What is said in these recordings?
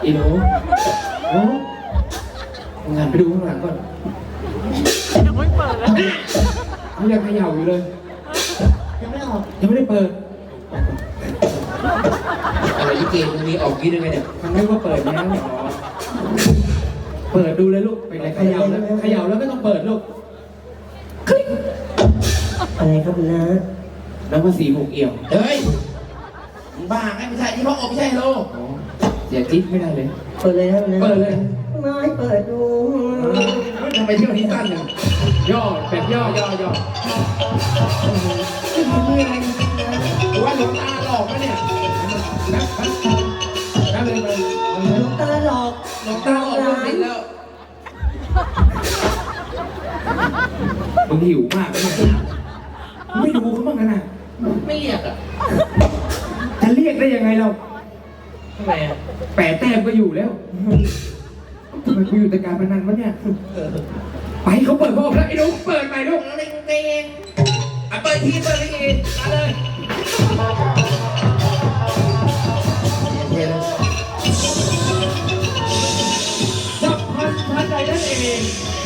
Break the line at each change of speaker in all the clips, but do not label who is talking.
อีหนูโอ้งานไปดูข้างหลังก่อนยังไม่เปิดเลยเขายังเขย่าอยู่เลยยังไม่ออกยังไม่ได้เปิดอะไรที่เกมตรงนี้ออกกี่ได้ไหมเนี่ยมันไม่ว่าเปิดแล้วเปิดดูเลยลูกเป็นไรเขย่าแล้วเขย่าแล้วไม่ต้องเปิดลูกคลิก
อะไรครับคุณน้า
แล้วก็สีหกเอี่ยว
เฮ้ยบ้าไงไม่ใช่ที่พ่ออบไม่ใช่โล
เสียจิ๊บไม่ได้เลย
เปิดเลยนะคุณน้า
เปิดเลย
ไม่เปิดดู
ทำไมเที่ยวนี้สั้นเนี่ย
ย่อแบบย่อย่อ
ว่าหลวงตาหลอกไหมเนี่ยนั่นเลย
หลวงตาหลอก
หลวงตาหลอกลูกศิษย์แล้ว
มึงหิวมากเลยไม่ดูเขาบ้างกันนะ
ไม่เรียกอ่ะ
จะเรียกได้ยังไงเรา
ทำไมอ่ะ
แปดแต้มก็อยู่แล้วทำไมกูอยู่แต่การพนันวะเนี่ยไปเขาเปิดบอกแล้วไอ้ลูกเปิดไปลูก
เล่นเองอ่ะเปิดทีเปิดเลยอีกมาเลย
สับพันทันใดนั่นเอง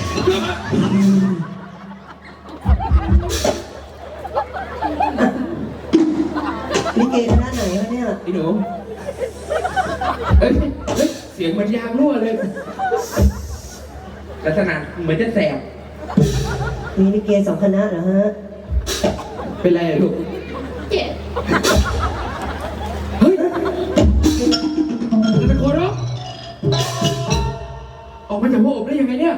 ลิเกคณะไหนวะเนี่ย
ไอ้หนูเฮ้ยเสียงเหมือนยางรั่วเลยลักษณะเหมือนจะแสบ
มีลิเก2 คณะเหรอฮะ
เป็นไรลูก
เจ็บ
เฮ้ยจะเป็นคนหรอออกมาจากหัวอกได้ยังไงเนี่ย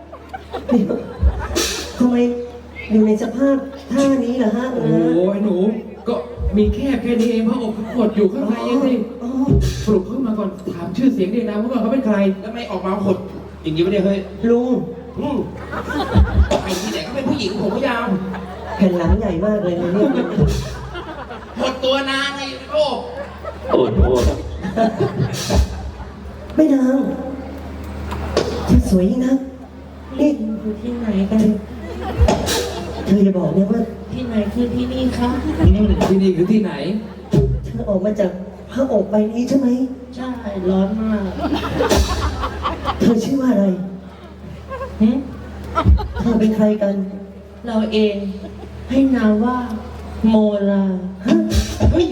ทำไมอยู่ในสภาพท่านี้เหรอฮะ
โอ้ยหนูก็มีแค่นี้เองพระอกกดอยู่ข้างในยังสิปลุกเข้ามาก่อนถามชื่อเสียงเรียงนามเขาก่อนเขาเป็นใคร
แล้วไม่ออกมาขดอย่างนี้ไม่ได้เฮ้ย
ลุง
ไอ้ที่ไหนก็เป็นผู้หญิงผมก็ยาว
แผ่นหลังใหญ่มากเลยนะเนี่ย
หดตัวนานไงโลก
โอ้โห
ไม่นางที่สวยนะนี่
อยู่ที่ไหนกัน
เธอจะบอกเนี่ยว่า
ที่ไหนคือที่นี่คะ
ที่นี่คือที่ไหน
เธอออกมาจากพระอกใบนี้ใช่ไหม
ใช่ร้อนมาก
เธอชื่อว่าอะไรเธอเป็นใครกัน
เราเองให้นามว่าโมลา
เฮ้ย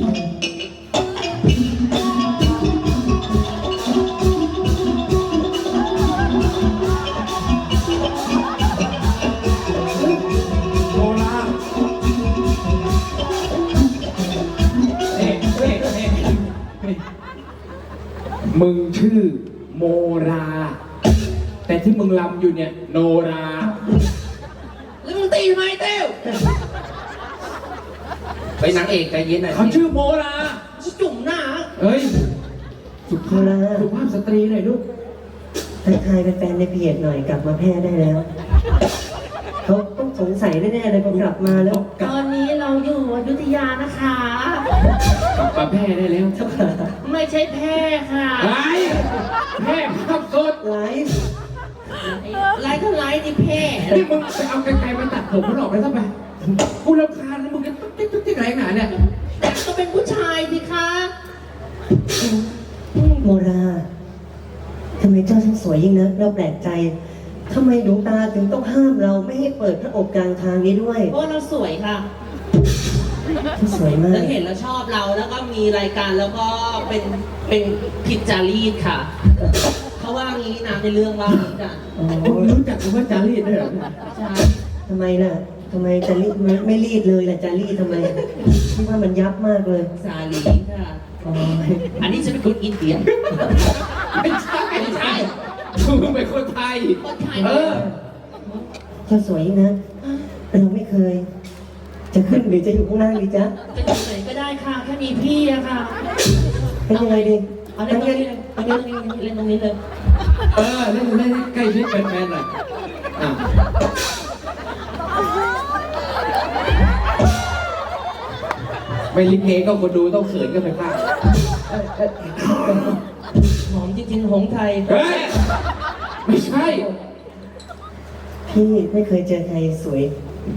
มึงชื่อโมราแต่ที่มึงลำอยู่เนี่ยโนรา
แล้วมึงตีทำไมเต้วไปนางเอกใจเย็นหน่อย
เขาชื่อโมรา
จุ่มหน้า
เฮ้ยสุภาพสตรีหน่อยลูก
ทักทายแฟนในเพจหน่อยกลับมาแพร่ได้แล้วเขาต้องสงสัยแน่ๆเลยพอกลับมาแล้ว
ตอนนี้เราอยู่อยุธยานะคะ
กลับมาแพร่ได้แล้ว
ไม่ใช่แพร่ค่ะ
แพร่ภาพสด
ไลฟ์
ก็ไลฟ์นี่แพร่
นี่มึงไปเอาไกลๆมาตัดผมมันออกไปซะไปกูรำคาญแล้วมึงจะตุ๊กไรหนาเนี่ย
แต่ก็เป็นผู้ชายสิคะ
โมราทำไมเจ้าช่างสวยยิ่งนักเราแปลกใจทำไมดวงตาถึงต้องห้ามเราไม่ให้เปิดพระอกกลางทางนี้ด้วย
เพราะเราสวยค่ะ
สวยมาก
แล้วเห็นแล้วชอบเราแล้วก็มีรายการแล้วก็เป็นผิดจารีตค่ะเขาว่างี้นะในเรื่องว่างี้กัน
รู้จักคำว่าจารีตด้วยเหรอ
ใช่
ทำไมล่ะทำไมจารีตไม่รีดเลยล่ะจารีตทำไมคิดว่ามันยับมากเลย
สาลีค่ะอันนี้จะเป็นคนอินเดีย
ไม่ใช่มึงเป็นคนไทย
เจ้าสวยนะเราไม่เคยจะขึ้นหรือจะอยู่ข้างล่างดีจ๊ะ
จะอยู่ไหนก็ได้ค่ะแค่มีพี่อะค่ะ
เป็นยังไงดี
เอาเล่นตรงนี้เลยเล่นตรงนี้เลย
เล่นใกล้ชิดแฟนๆหน่อยไม่ลิเกก็คนดูต้องเขินกันไปบ้าง
หอมจริงๆหงไทย
ไม่ใช่
พี่ไม่เคยเจอใครสวย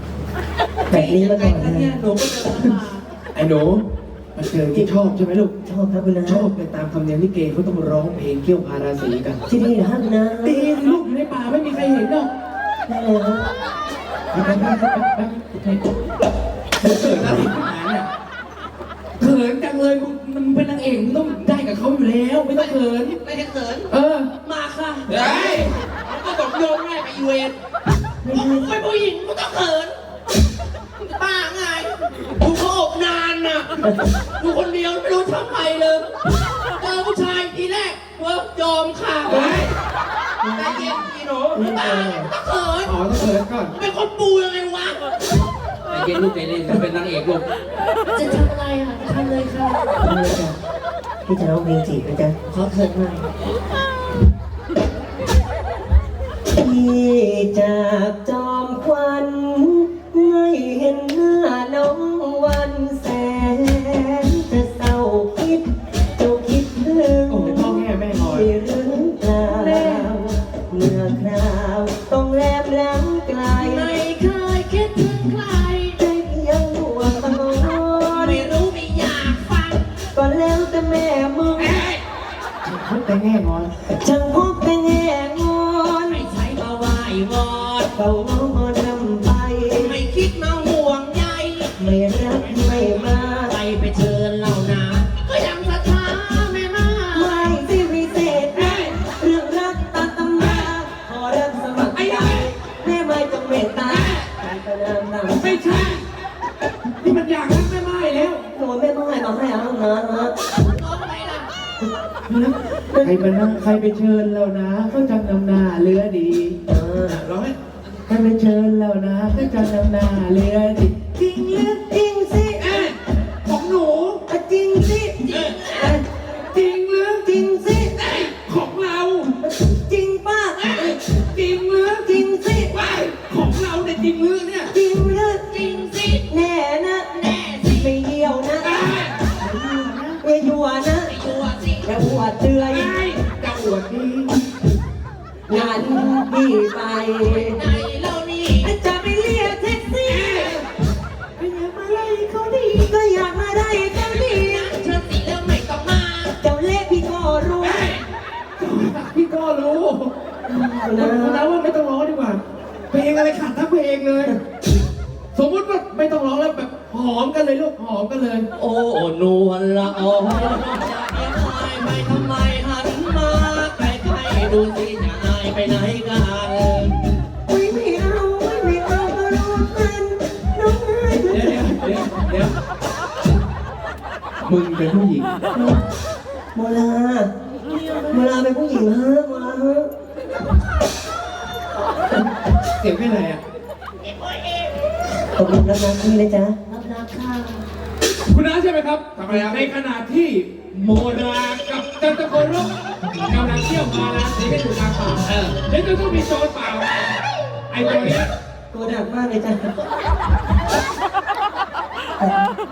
แบบนี้มาก่อนเลย
หนูก็เจอมา
ไอ้หนูมาเจอที่ชอบใช่ไหมลูก
ชอบครับคุณนะ
ชอบไปตามธรรมเนียมลิเกเขาต้องร้องเพลงเกี่ยวพาราสีกัน
ที่นี่เหรอครับคุณนะ
ดีลูกอยู่ในป่าไม่มีใครเห็นหรอก
ได้เลยครับ
เขินอะไรขนาดเนี่ยเขินจังเลยมึงเป็นนางเอกมึงต้องได้กับเขาอยู่แล้วไม่ต้องเขิน
ไม่ได้เขิน
เออ
มาค่ะ
เฮ้ย
มันก็บอกโยนง่ายไปอีเวนต์เป็นผู้หญิงก็ต้องเขินป้าไงดูเขาอบนานน่ะดูคนเดียวไม่รู้ทำไมเลยเจอผู้ชายทีแรกเวิร์กยอมค่ะ
เฮ้ย
ใจเย็นพี่หนูป้าต้องเขิน
อ๋อต้องเขินก่อน
เป็นคนปูยังไงวะ
ใจเย็นลูกใจเย็นมันเป็นนางเอกลูก
จะทำอะไรอ่ะทำเลยค่ะ
ได้เลยจ้ะพี่จะร้องเพลงจีบนะจ๊ะ
ขอเขินหน่อย
พี่จากจอมควันไม่เห็นหน้าน้องวันแสนจะเศร้าคิดเจ้าคิดถึง
โอ้ยพ่อแม่แม่ลอย
หรือเปล่าเมื่อคราวต้องแลบหลังไกล
ไม่เคยคิดถึงใคร
ได้เพียงหัวตะโกน
ไม่รู้ไม่อยากฟัง
ก็แล้วแต่แม่มึง
พบแต่แน่นอน
ช่างพบแต่แง่งอน
ไม่ใช่มาไหว้วอน
เฝ้ามองมอนำไป
ไม่คิดมาห่วงใย
ไม่รักไม่มา
ไปเชิญเหล่านาก็ยังศรัทธาแม่มา
ไม่ที่วิเศษนะเรื่องรักตามตำราขอรับสมัครใจแม่ไม่จงเมตตาการประนามนำ
ไม่ใช่นี่มันอยากรักแม่ไม้แล้ว
โดนแม่ไม้มาให้เอานะฮะ
ร้องไงล่ะ
ใครมานั่งใครไปเชิญเรานะเขาจำนำหน้าเรือดี ร้องไหมใครไปเชิญเรานะเขาจำนำหน้าเรือดี
จริงหรือจริงสิ
ของหนู
จริงสิ
จริงหรือ
จริงสิ
ของเรา
จริงป้า
จริงหรือ
จริงสิ
ไม่ของเราเนี่ยจริงหรือเนี่ย
จริงหรือ
จริงสิ
แน่นะแน่สิไม่เหี่ยวนะอย่ายั่วนะ
ไปอยู่อ่ะสิ
อย่าอวดเตือย
จะอวดดี
งานพี่ไป
ไหนเล่านี่
จะไปเรียกแท็กซี่ไม่อยากมาไล่เขาดีก็อยากมาได้เขาดี
เชิญสิแล้วไม่ต้องมา
เจ้าเล่พี่ก็รู้
พี่ก็รู้นะว่าไม่ต้องร้องดีกว่า เพลงอะไรขาดทั้งเพลงเลย สมมติว่าไม่ต้องร้องแล้วแบบหอมกันเลยลูกหอมกันเลย
โอ้นวลละอองจะเพียงอายไปทำไมหันมาใกล้ๆดูสิจะอายไปไหนกัน
ไม่เอาไม่เอาก็รู้กันน้องไห้
เดี๋ยวมึงเป็นผู้หญิง
โมลาเป็นผู้หญิงฮะโมลาฮะ
เสียงเป็นไรอ่ะ
ตกลงรับน้ำพี่นะจ๊ะ
รับรักค่ะ
คุณน้าใช่ไหมครับทำไมครับในขณะที่โมรากับจันทโกรกกำลังเที่ยวมาราสีกันอยู่กลางป่าแล้วจะต้องมีโจรป่าไอ้ตัวเนี้ย
ตัวดักมากเลยจ้ะ